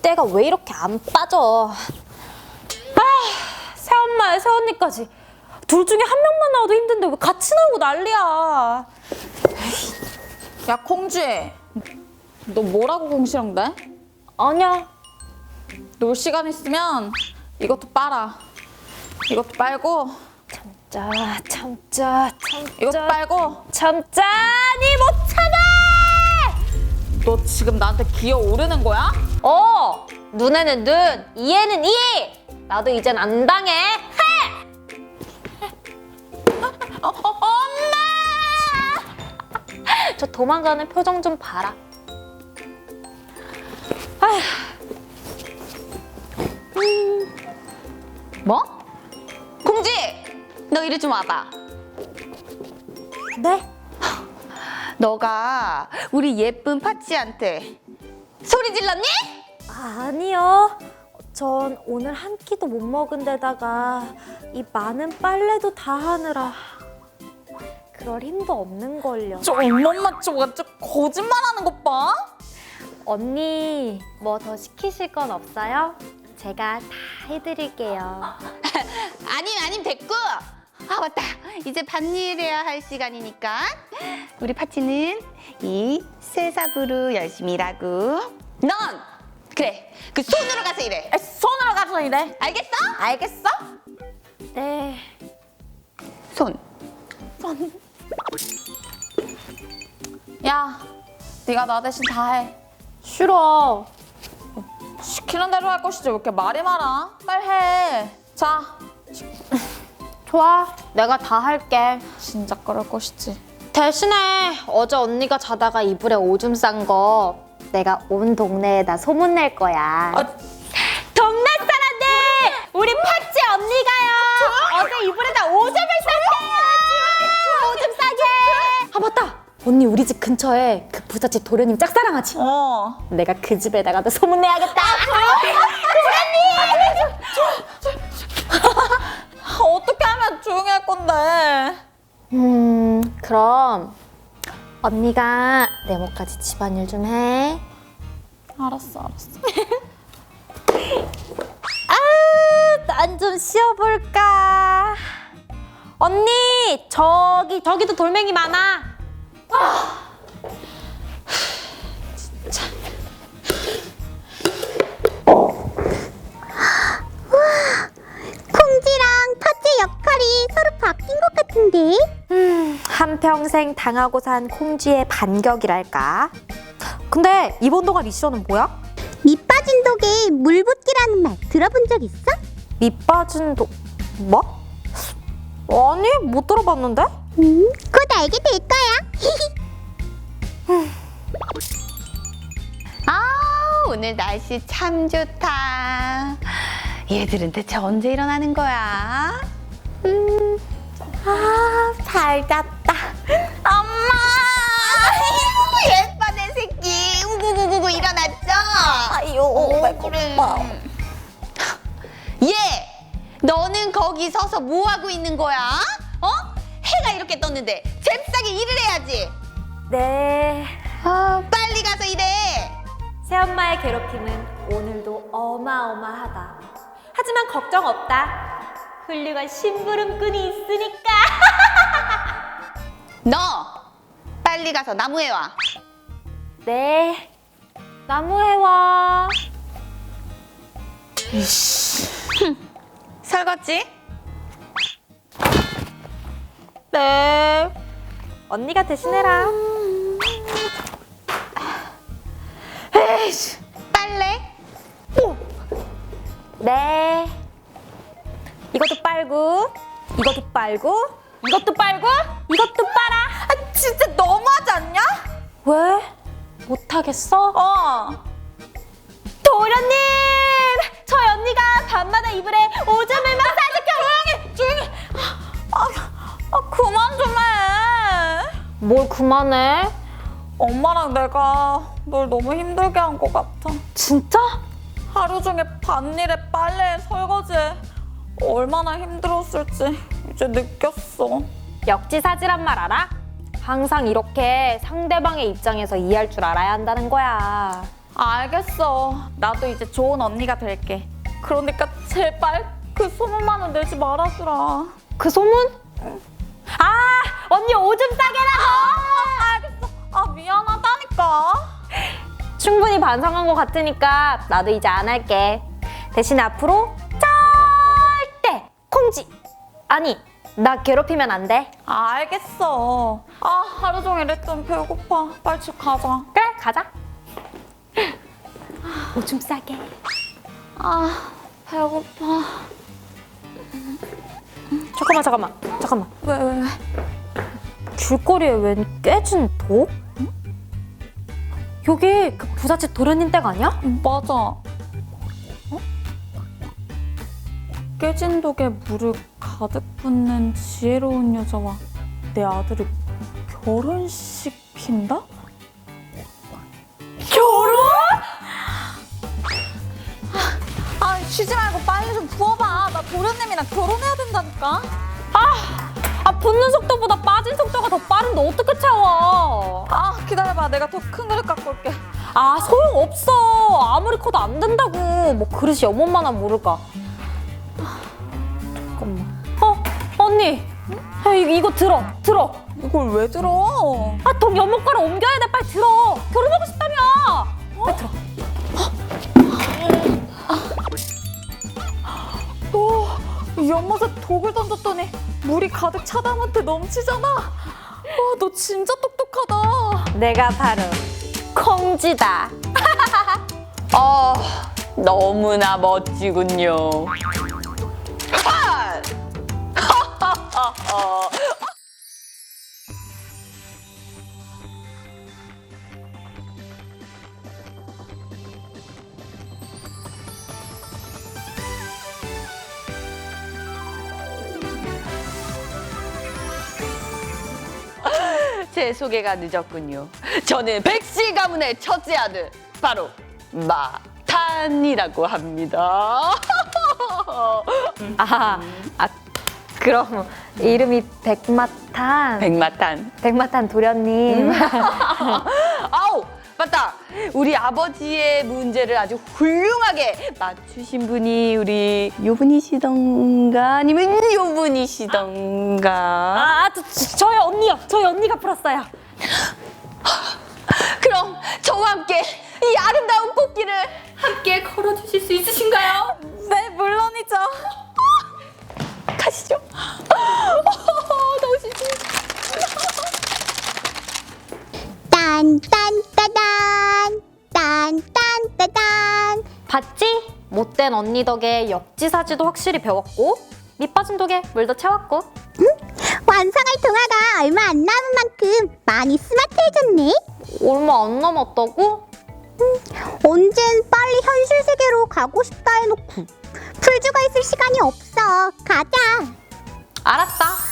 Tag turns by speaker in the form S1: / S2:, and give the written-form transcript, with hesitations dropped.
S1: 때가 왜 이렇게 안 빠져? 새엄마에 새언니까지 둘 중에 한 명만 나와도 힘든데 왜 같이 나오고 난리야.
S2: 야, 콩쥐. 너 뭐라고 공시렁대?
S1: 아니야.
S2: 놀 시간 있으면 이것도 빨아. 이것도 빨고
S1: 참자.
S2: 이것도 빨고.
S1: 참자. 니 못 참아!
S2: 너 지금 나한테 기어오르는 거야?
S1: 눈에는 눈, 이에는 이! 나도 이젠 안 당해.
S2: 엄마!
S1: 저 도망가는 표정 좀 봐라.
S2: 뭐? 콩쥐! 너 이리 좀 와봐.
S1: 네?
S2: 너가 우리 예쁜 파치한테 소리 질렀니?
S1: 아니요. 전 오늘 한 끼도 못 먹은 데다가 이 많은 빨래도 다 하느라 그럴 힘도 없는걸요.
S2: 저 엄마 저 완전 거짓말하는 것 봐.
S1: 언니 뭐 더 시키실 건 없어요? 제가 다 해드릴게요.
S3: 아님 됐고. 아 맞다. 이제 밭일해야 할 시간이니까 우리 파치는 이 쇠삽으로 열심히 일하고 넌 그래 그 손으로 가서 일해.
S2: 손으로 가서 이래.
S3: 알겠어?
S2: 알겠어?
S1: 네.
S3: 손.
S2: 야, 네가 나 대신 다 해.
S1: 싫어.
S2: 시키는 대로 할 것이지 왜 이렇게 말이 많아? 빨리 해. 자,
S1: 좋아. 내가 다 할게.
S2: 진짜 그럴 것이지.
S1: 대신에 어제 언니가 자다가 이불에 오줌 싼 거 내가 온 동네에다 소문낼 거야. 동네 사람들! 우리 파치 언니가요! 어제 이불에다 오줌을 쌌대요! 오줌 싸게! 아 맞다! 언니 우리 집 근처에 그 부잣집 도련님 짝사랑하지? 내가 그 집에다가도 소문내야겠다!
S2: 어떻게 하면 조용히 할 건데?
S1: 그럼 언니가 내 목까지 집안일 좀 해.
S2: 알았어.
S1: 난 좀 쉬어볼까. 언니 저기도 돌멩이 많아.
S4: 콩쥐랑 파치 역할이 서로 바뀐 것 같은데?
S1: 한평생 당하고 산 콩쥐의 반격이랄까. 근데 이번 동안 미션은 뭐야?
S4: 밑 빠진 독에 물 붓기라는 말 들어본 적 있어?
S1: 밑 빠진 뭐? 아니 못 들어봤는데?
S4: 곧 알게 될 거야.
S3: 아 오늘 날씨 참 좋다. 얘들은 대체 언제 일어나는 거야?
S1: 잘 잤다.
S3: 엄마! 예뻐 내 새끼. 우구구구구 일어났죠?
S1: 아유
S3: 그래. 얘! 너는 거기 서서 뭐 하고 있는 거야? 해가 이렇게 떴는데 잽싸게 일을 해야지.
S1: 네.
S3: 빨리 가서 일해.
S1: 새엄마의 괴롭힘은 오늘도 어마어마하다. 하지만 걱정 없다. 훌륭한 심부름꾼이 있으니까.
S3: 너 빨리 가서 나무에 와.
S1: 네. 나무해와.
S3: 설거지?
S1: 네. 언니가 대신해라.
S3: 에이씨, 빨래?
S1: 네. 이것도 빨고, 이것도 빨고, 이것도 빨고, 이것도 빨아.
S2: 진짜 너무하지 않냐?
S1: 왜? 못하겠어?
S2: 도련님!
S1: 저희 언니가 밤마다 이불에 오줌을 막 싸니까
S2: 조용히! 그만 좀 해!
S1: 뭘 그만해?
S2: 엄마랑 내가 널 너무 힘들게 한 것 같아.
S1: 진짜?
S2: 하루 종일 밭일에 빨래에 설거지에 얼마나 힘들었을지 이제 느꼈어.
S1: 역지사지란 말 알아? 항상 이렇게 상대방의 입장에서 이해할 줄 알아야 한다는 거야.
S2: 알겠어. 나도 이제 좋은 언니가 될게. 그러니까 제발 그 소문만은 내지 말아주라.
S1: 그 소문? 아, 언니 오줌 싸게라고!
S2: 알겠어. 미안하다니까.
S1: 충분히 반성한 것 같으니까 나도 이제 안 할게. 대신 앞으로 절대 콩지 아니 나 괴롭히면 안 돼.
S2: 알겠어. 하루 종일 했더니 배고파. 빨리 집 가자.
S1: 그래 가자. 오줌 싸게.
S2: 배고파.
S1: 잠깐만.
S2: 왜?
S1: 길거리에 웬 깨진 독? 여기 그 부잣집 도련님 댁 아니야?
S2: 맞아. 깨진 독에 물을 가득 붓는 지혜로운 여자와 내 아들을 결혼시킨다? 결혼? 쉬지 말고 빨리 좀 부어봐. 나 도련님이랑 결혼해야 된다니까.
S1: 붓는 속도보다 빠진 속도가 더 빠른데 어떻게 채워?
S2: 기다려봐. 내가 더 큰 그릇 갖고 올게.
S1: 소용없어. 아무리 커도 안 된다고. 뭐 그릇이 연못만한 모를까. 잠깐만. 언니. 이거 들어.
S2: 이걸 왜 들어?
S1: 독 연못가로 옮겨야 돼. 빨리 들어. 결혼하고 싶다며. 빨리 들어.
S2: 너 연못에 독을 던졌더니 물이 가득 차담한테 넘치잖아. 너 진짜 똑똑하다.
S1: 내가 바로 콩지다.
S3: 너무나 멋지군요. 제 소개가 늦었군요. 저는 백씨 가문의 첫째 아들, 바로 마탄이라고 합니다.
S1: 그럼 이름이 백마탄.
S3: 백마탄.
S1: 도련님.
S3: 아우, 맞다. 우리 아버지의 문제를 아주 훌륭하게 맞추신 분이 우리 요분이시던가 아니면 요분이시던가.
S1: 저희 언니요. 저희 언니가 풀었어요.
S3: 그럼 저와 함께 이 아름다운 꽃길을 함께 걸어주실 수 있으신가요?
S2: 네, 물론이죠.
S3: 가시죠. 너무 신기해.
S4: 딴딴따단 딴딴따단.
S1: 봤지? 못된 언니 덕에 역지사지도 확실히 배웠고 밑빠진 독에 물도 채웠고.
S4: 완성할 동화가 얼마 안 남은 만큼 많이 스마트해졌네.
S1: 얼마 안 남았다고?
S4: 언젠 빨리 현실 세계로 가고 싶다 해놓고 풀주가 있을 시간이 없어. 가자.
S1: 알았다.